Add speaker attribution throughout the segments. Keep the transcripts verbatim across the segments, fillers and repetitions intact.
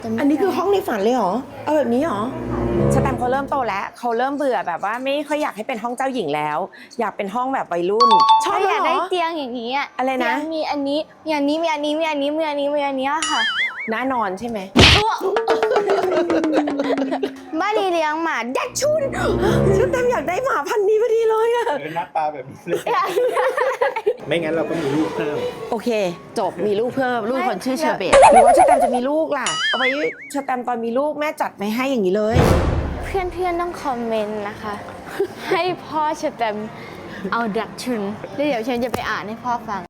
Speaker 1: อันนี้คือห้องในฝันเลยเหรอเอาแบบนี้เหรอสแตมป์เขาเริ่มโตแล้วเขาเริ่มเบื่อแบบว่าไม่ค่อยอยากให้เป็นห้องเจ้าหญิงแล้วอยากเป็นห้องแบบวัยรุ่นชอบ
Speaker 2: อยาก
Speaker 1: เหร
Speaker 2: ได้
Speaker 1: อ
Speaker 2: เตียงอย่างนี้อ่ะ
Speaker 1: อะไรนะ
Speaker 2: เตียงมีอันนี้มีอันนี้มีอันนี้มีอันนี้มีอันนี้มีอันนี้ค่ะ
Speaker 1: น่านอนใช่ไหม
Speaker 2: บ้านนี้เลี้ยงหมาดัชชุน
Speaker 1: สแตมป์อยากได้หมาพันธุ์นี้พอดีเลยอะ
Speaker 3: หน้าตาแบบนี้เลยไม่งั้นเราก็มีลูกเพิ่ม
Speaker 1: โอเค จบมีลูกเพิ่มลูกคนชื่อเชอร์เบตหรือว่าสแตมป์จะมีลูกล่ะเอาไว้สแตมป์ตอนมีลูกแม่จัดไม่ให้อย่างนี้เลย
Speaker 2: เพื่อนเพื่อนๆต้องคอมเมนต์นะคะ ให้พ่อสแตมป์เอาดัชชุนแล้วเดี๋ยวฉันจะไปอ่านให้พ่อฟัง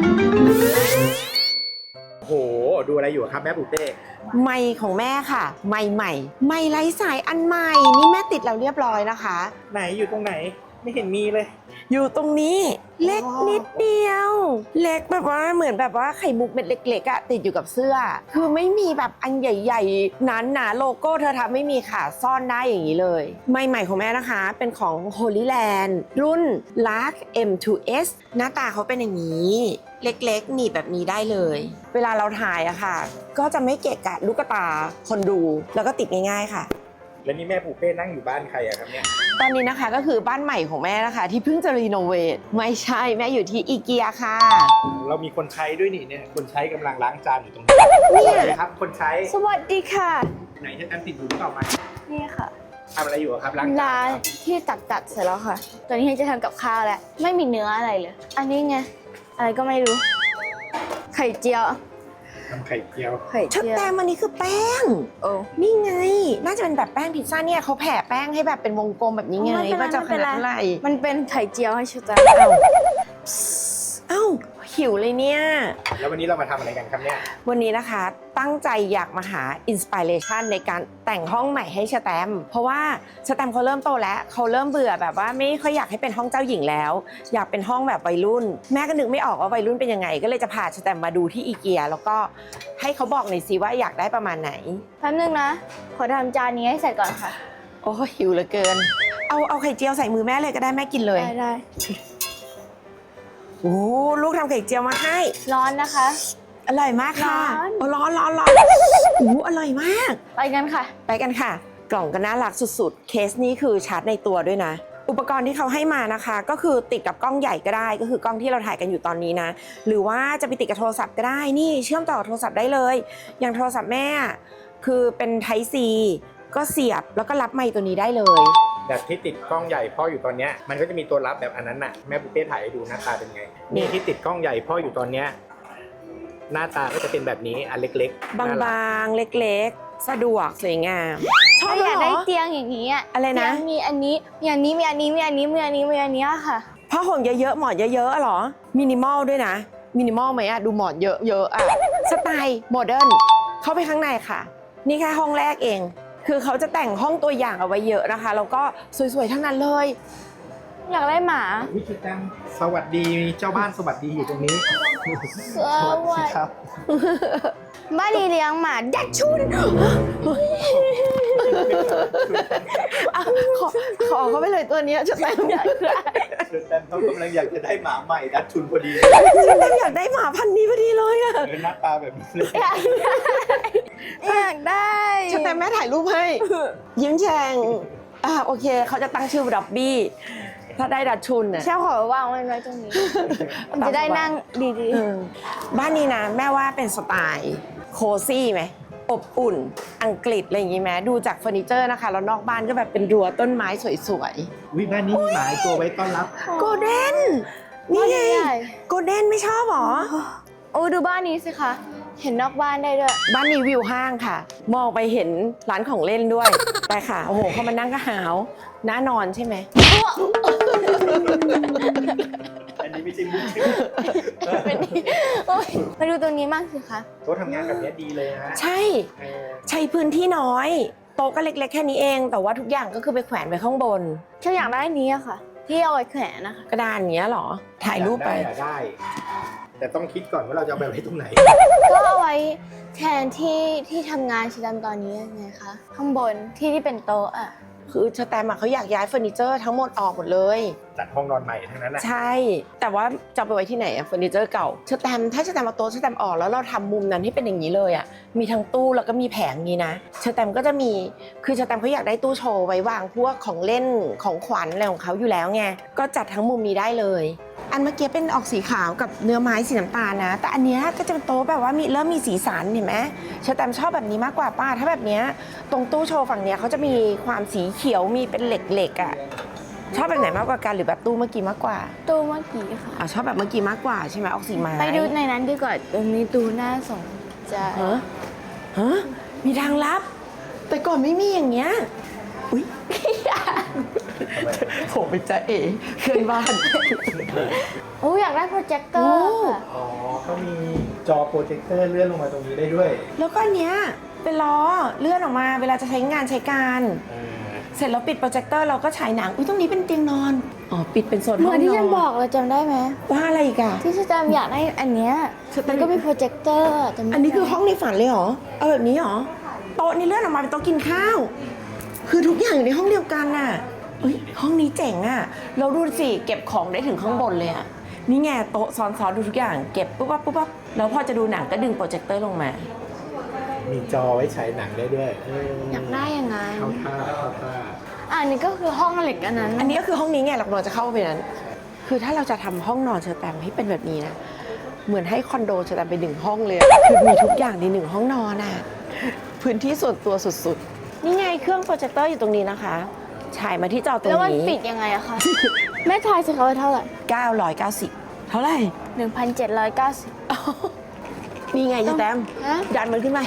Speaker 3: โอ้โห ดูอะไรอยู่ครับแม่ปูเป้
Speaker 1: ไมค์ของแม่ค่ะ ไมค์ใหม่ ไมค์ไร้สายอันใหม่ นี่แม่ติดแล้วเรียบร้อยนะคะ
Speaker 3: ไหนอยู่ตรงไหนไม่เห็นมีเลย
Speaker 1: อยู่ตรงนี้เล็กนิดเดียว เล็กแบบว่าเหมือนแบบว่าไข่มุกเม็ดเล็กๆอะติดอยู่กับเสื้อ คือไม่มีแบบอันใหญ่ๆหนาๆโลโก้เธอทำไม่มีค่ะซ่อนได้อย่างนี้เลย ไมค์ใหม่ของแม่นะคะ เป็นของ Holy Land รุ่น Lark เอ็ม ทู เอส หน้าตาเขาเป็นอย่างนี้ เล็กๆหนีบแบบนี้ได้เลย เวลาเราถ่ายอะค่ะ ก็จะไม่เกะกะลูกตาคนดูแล้วก็ติดง่ายๆค่ะ
Speaker 3: แล้วนี่แม่ปูเป้นั่งอยู่บ้านใครอะครับเนี่ย
Speaker 1: ตอนนี้นะคะก็คือบ้านใหม่ของแม่นะคะ ที่เพิ่งจะรีโนเวทไม่ใช่แม่อยู่ที่อีเกียค่ะ
Speaker 3: เรามีคนใช้ด้วยนี่เนี่ยคนใช้กำลังล้างจานอยู่ตรงนี้
Speaker 1: เนี่ย
Speaker 3: สวัสดีครับคนใช้
Speaker 2: สวัสดีค่ะ
Speaker 3: ไหนจะแอมติดอยู่หรือเปล่ามา
Speaker 2: นี่ค่ะ
Speaker 3: ทำอะไรอยู่อะครับล้างจาน
Speaker 2: ร้านที่ตัดตัดเสร็จแล้วค่ะ ตอนนี้จะทำกับข้าวแล้ว ไม่มีเนื้ออะไรเลย อันนี้ไง อะไรก็ไม่รู้ ไข่เจียว
Speaker 3: ทำไข่เจียว
Speaker 2: ไข่
Speaker 1: ชุด
Speaker 2: เจียว
Speaker 1: แต้มอันนี้คือแป้ง
Speaker 2: โอ้
Speaker 1: นี่ไง น่าจะเป็นแบบแป้งพิซซ่าเนี่ยเขาแผ่แป้งให้แบบเป็นวงกลมแบบนี้ไง
Speaker 2: ไม่เป็นไร
Speaker 1: ว่าจะขนาดเท่าไหร่
Speaker 2: มันเป็นไข่เจียวให้ชุดแตม
Speaker 1: เอ้าเอ้าหิวเลยเนี่ย
Speaker 3: แล้ววันนี้เรามาทำอะไรกันครับเนี่ย
Speaker 1: วันนี้นะคะตั้งใจอยากมาหาอินสปิเรชันในการแต่งห้องใหม่ให้สแตมป์เพราะว่าสแตมป์เขาเริ่มโตแล้วเขาเริ่มเบื่อแบบว่าไม่ค่อยอยากให้เป็นห้องเจ้าหญิงแล้ว อยากเป็นห้องแบบวัยรุ่น แม่ก็นึกไม่ออกว่าวัยรุ่นเป็นยังไง ก็เลยจะพาสแตมป์มาดูที่อีเกียแล้วก็ให้เขาบอกหน่อยสิว่าอยากได้ประมาณไหน
Speaker 2: แป๊บนึงนะ ขอทำจานนี้ให้เสร็จก่อนค่ะ
Speaker 1: โอ้หิวเหลือเกิน เอาเอาไข่เจียวใส่มือแม่เลยก็ได้แม่กินเลย
Speaker 2: ได้ได้
Speaker 1: โอ้ลูกทำไข่เจียวมาให้
Speaker 2: ร้อนนะคะ
Speaker 1: อร่อยมากค่ะ
Speaker 2: ร้อน
Speaker 1: โอ้ร้อนร้อนร้อนโอ้อร่อยมาก
Speaker 2: ไปกันค่ะ
Speaker 1: ไปกันค่ะ กล่องก็น่ารักสุดๆ เคสนี้คือชาร์จในตัวด้วยนะ อุปกรณ์ที่เขาให้มานะคะ ก็คือติดกับกล้องใหญ่ก็ได้ ก็คือกล้องที่เราถ่ายกันอยู่ตอนนี้นะ หรือว่าจะไปติดกับโทรศัพท์ก็ได้ นี่เชื่อมต่อกับโทรศัพท์ได้เลย อย่างโทรศัพท์แม่คือเป็น Type C ก็เสียบแล้วก็รับไมค์ตัวนี้ได้เลย
Speaker 3: แบบที่ติดกล้องใหญ่พ่ออยู่ตอนเนี้ยมันก็จะมีตัวรับแบบอันนั้นน่ะแม่ปูเป้ถ่ายให้ดูหน้าตาเป็นไงนี่ที่ติดกล้องใหญ่พ่ออยู่ตอนเนี้ยหน้าตาก็จะเป็นแบบนี้อันเล็กๆ
Speaker 1: บ
Speaker 3: น่รัก
Speaker 1: างๆ เล็กๆ สะดวกสวยงามชอบ
Speaker 2: ถ้า
Speaker 1: เห
Speaker 2: อยาก
Speaker 1: ร
Speaker 2: ได้
Speaker 1: อ
Speaker 2: เตียงอย่างนี้อ่ะ
Speaker 1: อะไรนะ
Speaker 2: เตียงมีอันนี้มีอันนี้มีอันนี้มีอันนี้มีอันนี้มีอันนี้ค่ะ
Speaker 1: ผ้าห่มเยอะๆ หมอนเยอะๆอะเหรอ มินิมอลด้วยนะ มินิมอลไหมอะดูหมอนเยอะๆอะสไตล์โมเดิร์นเข้าไปข้างในค่ะ นี่แค่ห้องแรกเอง คือเขาจะแต่งห้องตัวอย่างเอาไว้เยอะนะคะ แล้วก็สวยๆ ทั้งนั้นเลย
Speaker 2: อยากได้หมา
Speaker 3: วิธีการสวัสดีเจ้าบ้านสวัสดีอยู่ตรงนี้
Speaker 2: สวัสดี
Speaker 3: ครับ
Speaker 2: บ้านนี้เลี้ยงหมาดัชชุน
Speaker 1: อ่ะขอขอเขาไปเลยตัวเนี้ยจะแต่งอยากได้
Speaker 3: เชิญแตมเขากำลังอยากจะได้หมาใหม่ดัดชุนพอดี
Speaker 1: ฉันแต่อยากได้หมาพันธุ์นี้พอดีเลยอะ
Speaker 3: เออหน้าตาแบบนี้เลย
Speaker 2: อยากได้
Speaker 1: ฉันแต่แม่ถ่ายรูปให้ ยิ้มแฉ่งอ่ะโอเค เขาจะตั้งชื่อดับบี้ ถ้าได้ดัชชุนน่ะ
Speaker 2: แช่ขอวางไว้ไว้ตรงนี้มันจะได้นั่งดี
Speaker 1: เออบ้านนี้นะแม่ว่าเป็นสไตล์โคซี่ไหมอบอุ่น อังกฤษอะไรอย่างงี้ไหมดูจากเฟอร์นิเจอร์นะคะแล้วนอกบ้านก็แบบเป็นรั้วต้นไม้สวย
Speaker 3: วิบ้านนี้มีหมาอีกตัวไว้ต้อนรับ
Speaker 1: ๆโกลเด้นนี่ไงโกลเด้นไม่ชอบหรอ
Speaker 2: ๆโอ้ดูบ้านนี้สิคะ เห็นนอกบ้านได้ด้วย
Speaker 1: บ้านนี้วิวห้างค่ะ มองไปเห็นร้านของเล่นด้วย ไปค่ะ โอ้โหเขามานั่งก็หาวน่านอนใช่ไหม
Speaker 3: อันนี้ไม่ใช่มุก
Speaker 2: โอ๊ยมาดูตรงนี้มากสิคะ
Speaker 3: โต๊ะทำงานแบบนี้ดีเลยนะ
Speaker 1: ใช่
Speaker 3: เออ
Speaker 1: ใช้พื้นที่น้อยโต๊ะก็เล็กๆแค่นี้เอง แต่ว่าทุกอย่างก็คือไปแขวนไว้ข้างบน
Speaker 2: ฉันอยากได้อันนี้อะค่ะ ที่เอาไว้แขวนนะคะ
Speaker 1: กระดานอย่างเงี้ยเหรอ ถ่ายรูปไป
Speaker 3: อยากได้อยากได้ แต่ต้องคิดก่อนว่าเราจะเอาไปไว้ตรงไหน
Speaker 2: ก็เอาไว้แทนที่ที่ทำงานชิดำตอนนี้ไงคะ ข้างบนที่ที่เป็นโต๊ะอะ
Speaker 1: คือเชอแตมอะเขาอยากย้ายเฟอร์นิเจอร์ทั้งหมดออกหมดเลย
Speaker 3: จัดห้องนอนใหม่ทั้งนั้นนะ
Speaker 1: ใช่ แต่ว่าจะเอาไปไว้ที่ไหนอะเฟอร์นิเจอร์เก่าเชอแตมถ้าเชอแตมเอาโต๊ะเชอแตมออกแล้วเราทำมุมนั้นให้เป็นอย่างนี้เลยอะมีทั้งตู้แล้วก็มีแผงนี้นะเชอแตมก็จะมีคือเชอแตมเขาอยากได้ตู้โชว์ไว้วางพวกของเล่นของขวัญอะไรของเขาอยู่แล้วไงก็จัดทั้งมุมนี้ได้เลยอันเมื่อกี้เป็นออกสีขาวกับเนื้อไม้สีน้ำตาลนะแต่อันเนี้ยก็จะเป็นโต๊ะแบบว่ามีเริ่มมีสีสันเห็นไหมเชอแตมชอบแบบนี้มากกว่าป้าถ้าแบบเนี้ยตรงตู้โชว์ฝั่งเนี้ยเขาจะมีความสีเขียวมีเป็นเหล็กๆอะชอบแบบไหนมากกว่ากันหรือแบบตู้เมื่อกี้มากกว่า
Speaker 2: ตู้เมื่อกี้ค่ะ
Speaker 1: อ่ะชอบแบบเมื่อกี้มากกว่าใช่ไหมออกสีไม้
Speaker 2: ไปดูในนั้นดีกว่าตรงนี้ตู้น่าสนใจ
Speaker 1: ฮะฮะมีทางลับ แต่ก่อนไม่มีอย่างเงี้ยอุ้ยผมเป็นจ่าเอ๋เพื่อนบ้าน
Speaker 2: โอ้อยากได้โปรเจคเตอร์ค่ะ
Speaker 3: อ๋อก็มีจอโปรเจคเตอร์เลื่อนลงมาตรงนี้ได้ด้วย
Speaker 1: แล้วก็อันเนี้ยเป็นล้อเลื่อนออกมาเวลาจะใช้งานใช้การ
Speaker 3: เออ
Speaker 1: เสร็จแล้วปิดโปรเจคเตอร์เราก็ฉายหนังอุ้ยตรงนี้เป็นเตียงนอนอ๋อปิดเป็นโซน
Speaker 2: เห
Speaker 1: ห้
Speaker 2: มื
Speaker 1: อ
Speaker 2: อง นที่
Speaker 1: น
Speaker 2: ฉันบ
Speaker 1: อ
Speaker 2: อน กเราจำได้ไหม
Speaker 1: ว่าอะไรอีกอะ
Speaker 2: ที่ฉันจำอยากได้อันเนี้ย
Speaker 1: ฉันจำ
Speaker 2: มันก็มีโปรเจคเตอร์จำได้ไหม
Speaker 1: อันนี้คือห้องในฝันเลยเหรอเอาแบบนี้เหรอโต๊ะนี่เลื่อนออกมาเป็นโต๊ะกินข้าว คือทุกอย่างอยู่ในห้องเดียวกันน่ะเอ้ยห้องนี้เจ๋งอ่ะเราดูสิเก็บของได้ถึงข้างบนเลยอ่ะนี่ไงโต๊ะซ้อนๆดูทุกอย่างเก็บปุ๊บปั๊บปุ๊บปั๊บแล้วพอจะดูหนังก็ดึงโปรเจคเตอร์ลงมา
Speaker 3: มีจอไว้ฉายหนังได้ด้วยเออ
Speaker 2: อยากได้ยังไง
Speaker 3: เข้าท่าเข้าท่า
Speaker 2: อะอันนี้ก็คือห้องเหล็กอันนั้น
Speaker 1: อันนี้ก็คือห้องนี้ไงเรากำลังจะเข้าไปนั้น คือถ้าเราจะทำห้องนอนเชอแตมให้เป็นแบบนี้นะเหมือนให้คอนโดเชอแตมไปหนึ่งห้องเลยอะคือมีทุกอย่างในหนึ่งห้องนอนอ่ะพื้นที่ส่วนตัวสุดๆนี่ไงเครื่องโปรเจคเตอร์อยู่ตรงนี้นะคะฉายมาที่จอตรง
Speaker 2: แล้วมัน
Speaker 1: นี้
Speaker 2: ปิดยังไงอะคะ แม่ทายสิคะว่าเท่าไหร่
Speaker 1: เก้าร้อยเก้าสิบเท่าไหร่
Speaker 2: หนึ่งพันเจ็ดร้อยเก้าสิบ
Speaker 1: นี่ไงเชอแตม
Speaker 2: ฮะ
Speaker 1: ดันมันขึ้นไป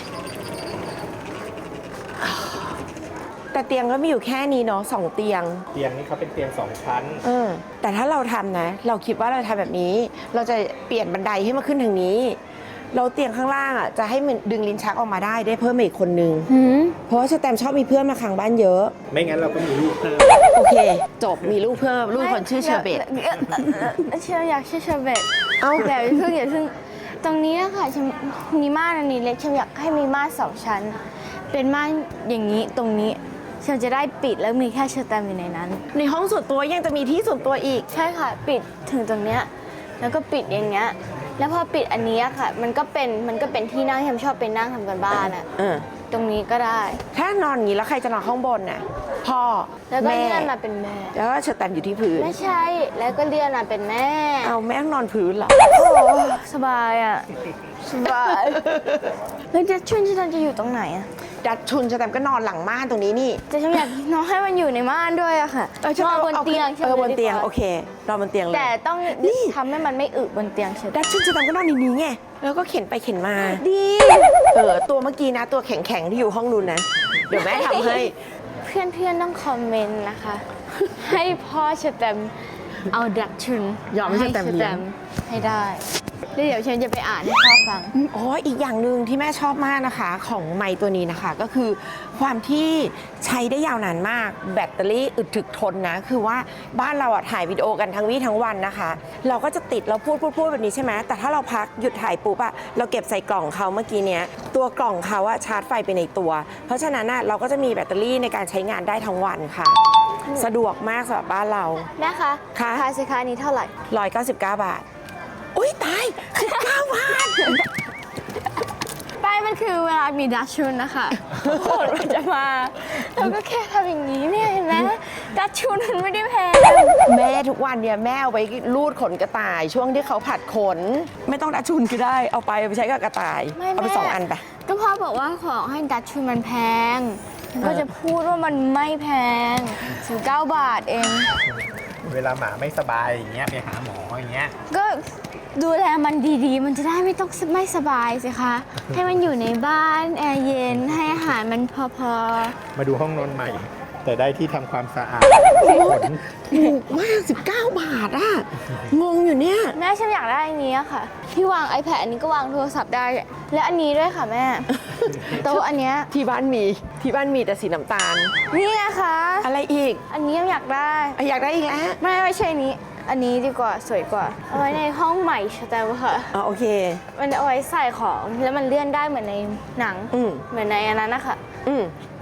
Speaker 1: แต่เตียงก็มีอยู่แค่นี้เนาะสองเตียง
Speaker 3: เตียงนี้เขาเป็นเตียงสองชั้น
Speaker 1: เออ แต่ถ้าเราทำนะ เราคิดว่าเราทำแบบนี้ เราจะเปลี่ยนบันไดให้มาขึ้นทางนี้ เราเตียงข้างล่างอ่ะจะให้มันดึงลิ้นชักออกมาได้ได้เพิ่มมาอีกคนนึง
Speaker 2: หืม
Speaker 1: เพราะว่าสแตมชอบมีเพื่อนมาค้างบ้านเยอะ
Speaker 3: ไม่งั้นเราก็มีลูกเพิ่ม
Speaker 1: โอเค จบมีลูกเพิ่มลูกคนชื่อเชอร์เบต
Speaker 2: เอ่อเอ่อเอ่อเชอร์อยากชื่อเชอร์เบต
Speaker 1: เอ้า
Speaker 2: แต่อย่าเพิ่งอย่าเพิ่งตรงนี้นะคะฉันมีม่านอันนี้เล็กฉันอยากให้มีม่านสองชั้น เป็นม่านอย่างนี้ตรงนี้ฉันจะได้ปิดแล้วมีแค่เชอร์แตมอยู่ในนั้น
Speaker 1: ในห้องส่วนตัวยังจะมีที่ส่วนตัวอีก
Speaker 2: ใช่ค่ะ ปิดถึงตรงเนี้ยแล้วก็ปิดอย่างเงี้ยแล้วพอปิดอันนี้อะค่ะ มันก็เป็นมันก็เป็นที่นั่งที่ฉันชอบไปนั่งทำกันบ้านอะ
Speaker 1: เออ
Speaker 2: ตรงนี้ก็ได้
Speaker 1: ถ้านอนอย่างนี้แล้วใครจะนอนข้างบนน่ะพ่อ
Speaker 2: แล้วก็
Speaker 1: แม่
Speaker 2: เลื่อนมาเป็นแม่
Speaker 1: แล้วก็เชอร์แตมอยู่ที่พื้น
Speaker 2: ไม่ใช่แล้วก็เลื่อนมาเป็นแม่
Speaker 1: เอาแม่นอนพื้นเหรอ
Speaker 2: โอ้สบายอะสบายแล้วจะชุนฉันจะอยู่ตรงไหนอะ
Speaker 1: ดัดชุนเชอร์แตมก็นอนหลังม่านตรงนี้นี่
Speaker 2: แต่ฉันอยากนอนให้มันอยู่ในม่านด้วยอะค่ะ
Speaker 1: เออฉัน
Speaker 2: นอน
Speaker 1: อา
Speaker 2: บนเตียง
Speaker 1: เออบนเตียง
Speaker 2: ดีกว่า
Speaker 1: โอเคนอนบนเตียงเลย
Speaker 2: แต่ต้อง
Speaker 1: นี่
Speaker 2: ทำให้มันไม่อึบนเตียงเฉย
Speaker 1: ดัชชุนเชอร์แตมก็นอนในนี้ไงแล้วก็เข็นไปเข็นมา
Speaker 2: ดี
Speaker 1: เออตัวเมื่อกี้นะตัวแข็งๆที่อยู่ห้องนู้นนะ เดี๋ยวแม่ทำให้
Speaker 2: เพื่อนๆต้องคอมเมนต์นะคะ ให้พ่อเชอแตมเอาดักชุน
Speaker 1: ยอมให้เชอแตมเลี้ยง
Speaker 2: ให้ได้แล้วเดี๋ยวฉันจะไปอ่านให้พ่อฟัง
Speaker 1: อ๋ออีกอย่างหนึ่งที่แม่ชอบมากนะคะของไมค์ตัวนี้นะคะ ก็คือความที่ใช้ได้ยาวนานมากแบตเตอรี่อึดถึกทนนะ คือว่าบ้านเราอะถ่ายวิดีโอกันทั้งวี่ทั้งวันนะคะ เราก็จะติดเราพูดพูดพูดแบบนี้ใช่ไหมแต่ถ้าเราพักหยุดถ่ายปุ๊บอะเราเก็บใส่กล่องเขาเมื่อกี้เนี้ยตัวกล่องเขาอะชาร์จไฟไปในตัว เพราะฉะนั้นอะเราก็จะมีแบตเตอรี่ในการใช้งานได้ทั้งวันค่ะ สะดวกมากสำหรับบ้านเรา
Speaker 2: แม่คะ
Speaker 1: ค่ะ
Speaker 2: ทายสิคะอันนี้เท่าไหร่
Speaker 1: หนึ่งร้อยเก้าสิบเก้าบาทอุ้ยตายสิบเก้าบาท
Speaker 2: ไปมันคือเวลามีดัชชุนนะคะทุกคนมันจะมาเราก็แค่ทำอย่างนี้เนี่ยเห็นไหมดัชชุนมันไม่ได้แพง
Speaker 1: แม่ทุกวันเนี่ยแม่เอาไปรูดขนกระต่าย ช่วงที่เขาผัดขน ไม่ต้องดัชชุนก็ได้เอาไปเอาไปใช้กับกระต่าย
Speaker 2: ไม่
Speaker 1: เอาไป
Speaker 2: แม่
Speaker 1: สองอันไป
Speaker 2: ก็พ่อบอกว่าของให้ดัชชุนมันแพงฉันก็จะพูดว่ามันไม่แพงสิบเก้าบาทเอง
Speaker 3: เวลาหมาไม่สบายอย่างเงี้ยไปหาหมออย่างเงี้ย
Speaker 2: ก็ดูแลมันดีๆ มันจะได้ไม่ต้องไม่สบายสิคะ ให้มันอยู่ในบ้านแอร์เย็นให้อาหารมันพอ
Speaker 3: มาดูห้องนอนใหม่ แต่ได้ที่ทำความสะอาดขน
Speaker 1: ถูกมากสิบเก้าบาทอ่ะ งงอยู่เนี่ย
Speaker 2: ๆแม่ฉันอยากได้อันนี้อะค่ะ ที่วาง iPad อันนี้ก็วางโทรศัพท์ได้ และอันนี้ด้วยค่ะแม่ โต๊ะอันเนี้ย
Speaker 1: ที่บ้านมีที่บ้านมีแต่สีน้ำตาล
Speaker 2: นี่ไงคะ
Speaker 1: อะไรอีก
Speaker 2: อันนี้อยากได้
Speaker 1: อ่ะอยากได้อีกแล้ว
Speaker 2: ไม่ไม่ใช่อันนี้ อันนี้ดีกว่าสวยกว่า เอาไว้ในห้องใหม่ใช่ไหมค่ะ
Speaker 1: อ๋อโอเค
Speaker 2: มันเอาไว้ใส่ของแล้วมันเลื่อนได้เหมือนในหนัง
Speaker 1: อืม
Speaker 2: เหมือนในอันนั้นนะคะ
Speaker 1: อืม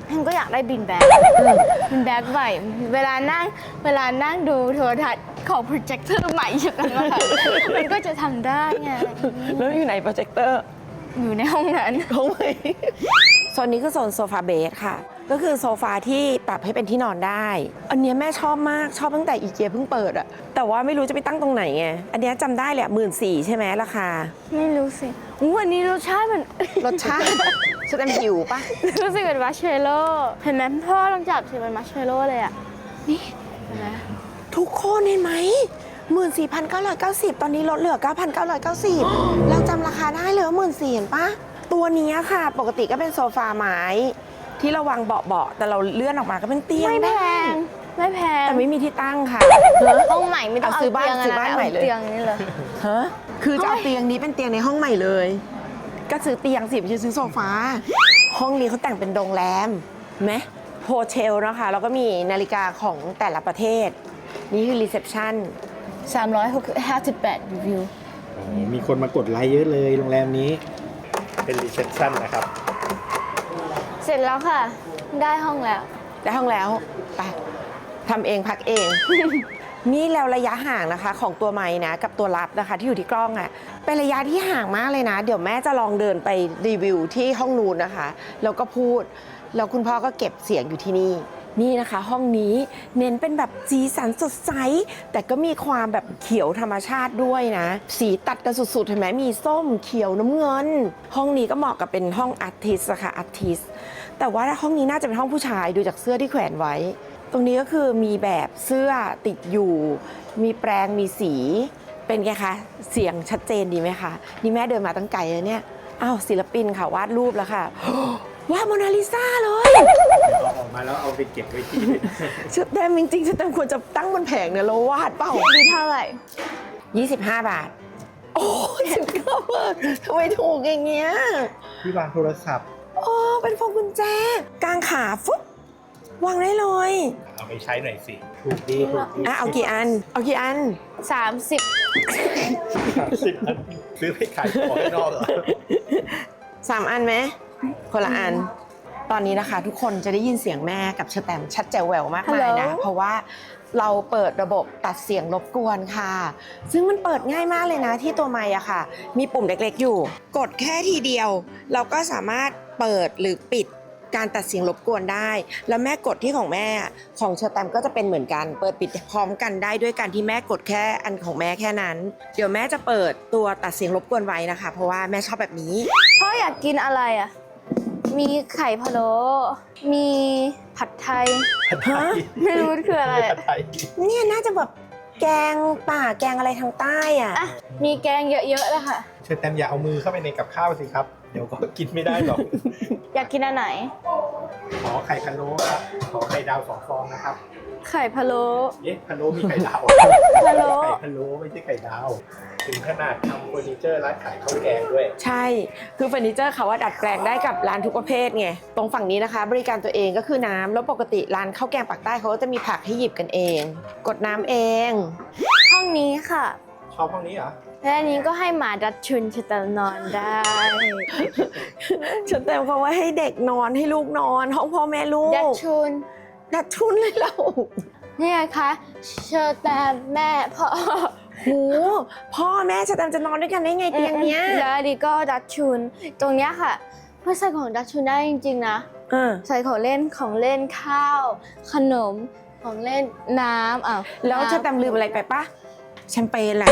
Speaker 2: ฉันก็อยากได้บินแบ็คบินแบ็คใหม่เวลานั่งเวลานั่งดูโทรทัศน์ของโปรเจคเตอร์ใหม่อย่างนั้นมามันก็จะทำได้ไง
Speaker 1: แล้วอยู่ไหนโปรเจคเตอร์
Speaker 2: อยู่ในห้องนั้น
Speaker 1: ห้องไหนโซนนี้คือโซนโซฟาเบสค่ะ ก็คือโซฟาที่ปรับให้เป็นที่นอนได้ อันเนี้ยแม่ชอบมากชอบตั้งแต่อีเกียเพิ่งเปิดอะแต่ว่าไม่รู้จะไปตั้งตรงไหนไงอันเนี้ยจำได้แหละหมื่นสี่ใช่ไหมราคา
Speaker 2: ไม่รู้สิอู้วันนี้รสชาติมัน
Speaker 1: รสชาติจะเต็มหิวปะ
Speaker 2: รู้สึกเป็นมัชเชลโล่เห็นไหมพ่อลองจับสิเป็นมัชเชลโล่เลยอ่ะนี่เห็นไหม
Speaker 1: ทุกคนเห็นไหมหมื่นสี่พันเก้าร้อยเก้าสิบตอนนี้ลดเหลือเก้าพันเก้าร้อยเก้าสิบเราจำราคาได้เลยว่าหมื่นสี่เห็นปะตัวนี้ค่ะ ปกติก็เป็นโซฟาไม้ที่เราวางเบาๆแต่เราเลื่อนออกมาก็เป็นเตียง
Speaker 2: ไม่แพ
Speaker 1: ได้
Speaker 2: งไม่แพง
Speaker 1: แต่ไม่มีที่ตั้งค่ะ
Speaker 2: ห้องใหม่ไม่ต้อง
Speaker 1: เอา
Speaker 2: เอา
Speaker 1: ซื้อบ้าน
Speaker 2: เตียง
Speaker 1: ซื้อ
Speaker 2: นะ
Speaker 1: บ้าน
Speaker 2: เอา
Speaker 1: ใหม่เลย
Speaker 2: เตียงนี่เลย
Speaker 1: ฮะคือจะเอาเตียงนี้เป็นเตียงในห้องใหม่เลย ก็ซื้อเตียงสิไม่ใช่ซื้อโซฟาห้องนี้เขาแต่งเป็นโรงแรมไหมโฮเทลนะคะแล้วก็มีนาฬิกาของแต่ละประเทศ นี่คือรีเซพชัน
Speaker 2: สามร้อยห้าสิบแปดรีวิว
Speaker 3: มีคนมากดไลค์เยอะเลยโรงแรมนี้ เป็นรีเซพชันนะครับ
Speaker 2: เสร็จแล้วค่ะ ได้ห้องแล้ว
Speaker 1: ได้ห้องแล้วไปทำเองพักเอง นี่แล้วระยะห่างนะคะของตัวไม้นะกับตัวรับนะคะที่อยู่ที่กล้องอะ่ะเป็นระยะที่ห่างมากเลยนะ เดี๋ยวแม่จะลองเดินไปรีวิวที่ห้องนู้นนะคะแล้วก็พูดแล้วคุณพ่อก็เก็บเสียงอยู่ที่นี่นี่นะคะ ห้องนี้เน้นเป็นแบบสีสันสดใสแต่ก็มีความแบบเขียวธรรมชาติด้วยนะสีตัดกันสุดๆเห็นไหมมีส้มเขียวน้ำเงิน ห้องนี้ก็เหมาะกับเป็นห้องอาร์ติสต์นะคะอาร์ติสต์แต่ว่าห้องนี้น่าจะเป็นห้องผู้ชายดูจากเสื้อที่แขวนไว้ ตรงนี้ก็คือมีแบบเสื้อติดอยู่ มีแปรงมีสี เป็นไงคะ เสียงชัดเจนดีไหมคะ นี่แม่เดินมาตั้งไกลเลยเนี่ย อ้าวศิลปินค่ะวาดรูปแล้วค่ะ วาดโมนาลิซาเลย
Speaker 3: เอาออกมาแล้วเอาไปเก็บไว้ที่
Speaker 1: ชุดเต็มจริงๆชุดเต็มควรจะตั้งบนแผงเนี่ยเราวาดเปล่า
Speaker 2: ดีเท่าไหร่
Speaker 1: ยี่สิบห้าบาท โอ้สิบเก้าบาททำไมถูกอย่างเงี้ย
Speaker 3: ที่วางโทรศัพท์
Speaker 1: โอ้เป็นพวงกุญแจ กางขาฟุ๊บวางได้เลย
Speaker 3: เอาไปใช้หน่อยสิ ถูกดีถูกดี
Speaker 1: อ่ะเอากี่อัน เอากี่อัน
Speaker 2: สามสิบ
Speaker 3: สิบอันซื้อไปขายของข้างนอกเหรอ
Speaker 1: สามอันไหมคนละอัน ตอนนี้นะคะทุกคนจะได้ยินเสียงแม่กับชแตมชัดแจ๋วแหววมากมายนะ เพราะว่าเราเปิดระบบตัดเสียงรบกวนค่ะ ซึ่งมันเปิดง่ายมากเลยนะที่ตัวไมค์อะค่ะ มีปุ่มเล็กๆอยู่ กดแค่ทีเดียว เราก็สามารถเปิดหรือปิดการตัดเสียงรบกวนได้ แล้วแม่กดที่ของแม่ของชแตมก็จะเป็นเหมือนกัน เปิดปิดพร้อมกันได้ด้วยการที่แม่กดแค่อันของแม่แค่นั้น เดี๋ยวแม่จะเปิดตัวตัดเสียงรบกวนไว้นะคะ เพราะว่าแม่ชอบแบบนี้
Speaker 2: พ่ออยากกินอะไรอ่ะ มีไข่พะโล้มีผัดไทย
Speaker 1: ฮะ
Speaker 2: ไม่รู้มันคืออะไรอะ
Speaker 3: ไทย
Speaker 1: เนี่ยน่าจะแบบแกงป่าแกงอะไรทางใต้อ่ะ
Speaker 2: อ่ะ มีแกงเยอะๆเลยค่ะ
Speaker 3: เชิญแตมอย่าเอามือเข้าไปในกับข้าวสิครับ เดี๋ยวก็กินไม่ได้หรอก
Speaker 2: อยากกินอันไหน
Speaker 3: ขอไข่พะโล้ครับ ขอไข่ดาวสองฟองนะครับ
Speaker 2: ไข่พะโล้
Speaker 3: เอ๊ะพะโล้มีไข่ดาว
Speaker 2: พะโล้
Speaker 3: ไข่พะโล้ไม่ใช่ไข่ดาว ถึงขนาดทำเฟอร์นิเจอร์ร้านขายข้าวแกงด้วย
Speaker 1: ใช่ คือเฟอร์นิเจอร์เขาว่าดัดแปลงได้กับร้านทุกประเภทไง ตรงฝั่งนี้นะคะ บริการตัวเองก็คือน้ำ แล้วปกติร้านข้าวแกงปากใต้เขาก็จะมีผักให้หยิบกันเอง กดน้ำเอง
Speaker 2: ห้องนี้ค่ะ
Speaker 3: ชอบห้องนี้เหรอ
Speaker 2: และอันนี้ก็ให้หมาดัดชุนชะตานอนได้
Speaker 1: ฉันเต็มเขาว่าให้เด็กนอนให้ลูกนอน ห้องพ่อแม่ลูก
Speaker 2: ดัดชุน
Speaker 1: ดัดชุนเลยเรา
Speaker 2: นี่ไงคะเชอร์แตมแม่พ่อ
Speaker 1: โหพ่อแม่จะเต็มจะนอนด้วยกันได้ไงเตียงเนี้ย
Speaker 2: แล้วอันนี้ก็ดัดชุน ตรงเนี้ยค่ะเพื่อใส่ของดัดชุนได้จริงๆนะ
Speaker 1: เออ
Speaker 2: ใส่ของเล่นของเล่นข้าว ขนมของเล่นน้ำอ่ะ
Speaker 1: แล้วฉันจำลืมอะไรไปปะแชมเปญแหละ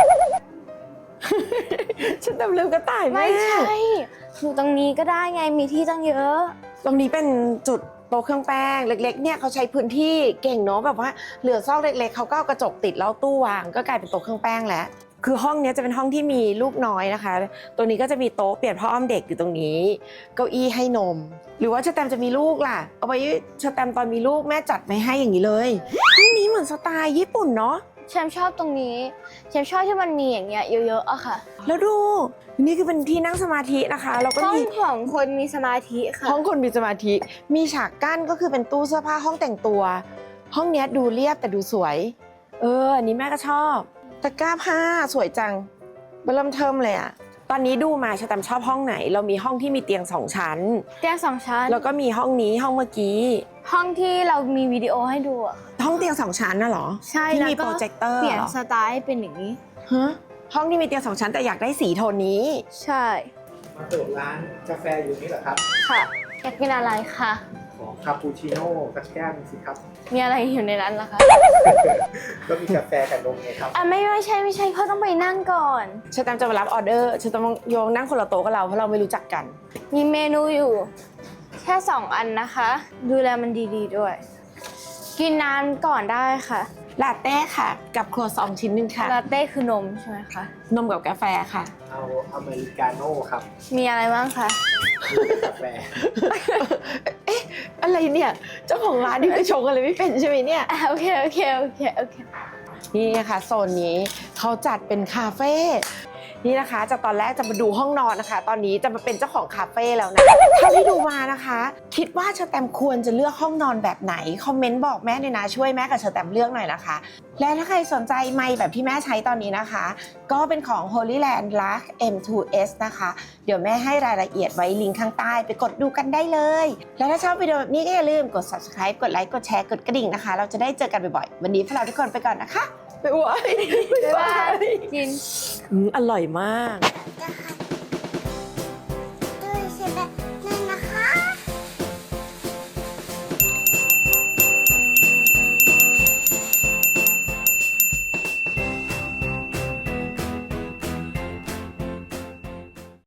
Speaker 1: ฉันจำลืมกระต่ายแม่
Speaker 2: ไม่ใช่อยู่ตรงนี้ก็ได้ไงมีที่ตั้งเยอะ
Speaker 1: ตรงนี้เป็นจุดโต๊ะเครื่องแป้งเล็กๆเนี่ยเขาใช้พื้นที่เก่งเนาะแบบว่าเหลือซอกเล็กๆเขาก็เอากระจกติดแล้วตู้วางก็กลายเป็นโต๊ะเครื่องแป้งแล้วคือห้องเนี้ยจะเป็นห้องที่มีลูกน้อยนะคะตัวนี้ก็จะมีโต๊ะเปลี่ยนผ้าอ้อมเด็กอยู่ตรงนี้เก้าอี้ให้นม หรือว่าชแตมป์จะมีลูกล่ะเอาไว้ชแตมป์ตอนมีลูกแม่จัดไว้ให้อย่างนี้เลยห้องนี้เหมือนสไตล์ญี่ปุ่นเนาะ
Speaker 2: แชมชอบตรงนี้แชมชอบที่มันมีอย่างเงี้ยเยอะๆอะค่ะ
Speaker 1: แล้วดูนี่คือเป็นที่นั่งสมาธินะคะแล้วก็
Speaker 2: ห้อง
Speaker 1: มี
Speaker 2: ของคนมีสมาธิค่ะ
Speaker 1: ห้องคนมีสมาธิ มีฉากกั้นก็คือเป็นตู้เสื้อผ้าห้องแต่งตัว ห้องเนี้ยดูเรียบแต่ดูสวย เออ อันนี้แม่ก็ชอบ ตะกร้าผ้าสวยจังเบลมเทิมเลยอ่ะตอนนี้ดูมาชะตามชอบห้องไหน เรามีห้องที่มีเตียงสองชั้น
Speaker 2: เตียงสองชั้น
Speaker 1: แล้วก็มีห้องนี้ห้องเมื่อกี้
Speaker 2: ห้องที่เรามีวิดีโอให้ดูอะ
Speaker 1: ห้องเตียงสองชั้นน่ะเหรอ
Speaker 2: ใช่
Speaker 1: ที่
Speaker 2: แล้ว
Speaker 1: มี
Speaker 2: ก็
Speaker 1: โปรเจคเตอร์
Speaker 2: เปลี่ยน
Speaker 1: เหรอ
Speaker 2: สไตล์ให้เป็นอย่างนี้
Speaker 1: ฮะห้องที่มีเตียงสองชั้นแต่อยากได้สีโทนนี้
Speaker 2: ใช่
Speaker 3: มาเปิดร้านกาแฟอยู่นี่เหรอครับ
Speaker 2: ค่ะอยากกินอะไรคะ
Speaker 3: ขอคาปูชิโน่สักแก้วหนึงสิครับ
Speaker 2: มีอะไรอยู่ในนั้นล่ะคะ
Speaker 3: ก็มีกาแฟกับนมไงครับ
Speaker 2: อ่ะไม่ไม่ใช่ไม่ใช่เขาต้องไปนั่งก่อน
Speaker 1: ชะตามจะมารับออเดอร์ชะตามโยงนั่งคนละโต๊ะกับเราเพราะเราไม่รู้จักกัน
Speaker 2: มีเมนูอยู่ แค่สองอันนะคะ ดูแลมันดีๆด้วย กินน้ำก่อนได้ค่ะ
Speaker 1: ลาเต้ค่ะ กับครัวซองชิ้นหนึ่งค่ะ
Speaker 2: ลาเต้คือนมใช่ไหมคะ
Speaker 1: นมกับกาแฟค่ะ
Speaker 3: เอาอเมริกาโน่ครับ
Speaker 2: มีอะไรบ้างคะ
Speaker 3: มีกาแฟ
Speaker 1: เอ๊ะ อะไรเนี่ย เจ้าของร้านนี่ไปชงอะไรไม่เป็นใช่ไหมเนี่ย
Speaker 2: อ่ะโอเคโอเคโอเคโอเค
Speaker 1: นี่นะคะโซนนี้เขาจัดเป็นคาเฟ่นี่นะคะจากตอนแรกจะมาดูห้องนอนนะคะ ตอนนี้จะมาเป็นเจ้าของคาเฟ่แล้วนะเท่าที่ดูมานะคะ คิดว่าเชอแตมควรจะเลือกห้องนอนแบบไหนคอมเมนต์บอกแม่เลยนะช่วยแม่กับเชอแตมเลือกหน่อยนะคะ และถ้าใครสนใจไมค์แบบที่แม่ใช้ตอนนี้นะคะ ก็เป็นของ Holyland Lark เอ็ม ทู เอส นะคะ เดี๋ยวแม่ให้รายละเอียดไว้ลิงก์ข้างใต้ไปกดดูกันได้เลย แล้วถ้าชอบวิดีโอแบบนี้ก็อย่าลืมกด subscribe กดไลค์กดแชร์กดกระดิ่งนะคะ เราจะได้เจอกันบ่อยๆวันนี้พวกเราทุกคนไปก่อนนะคะบ๊ายบาย
Speaker 2: บ๊ายบายกิน
Speaker 1: อืมอร่อยมาก
Speaker 2: นะคะ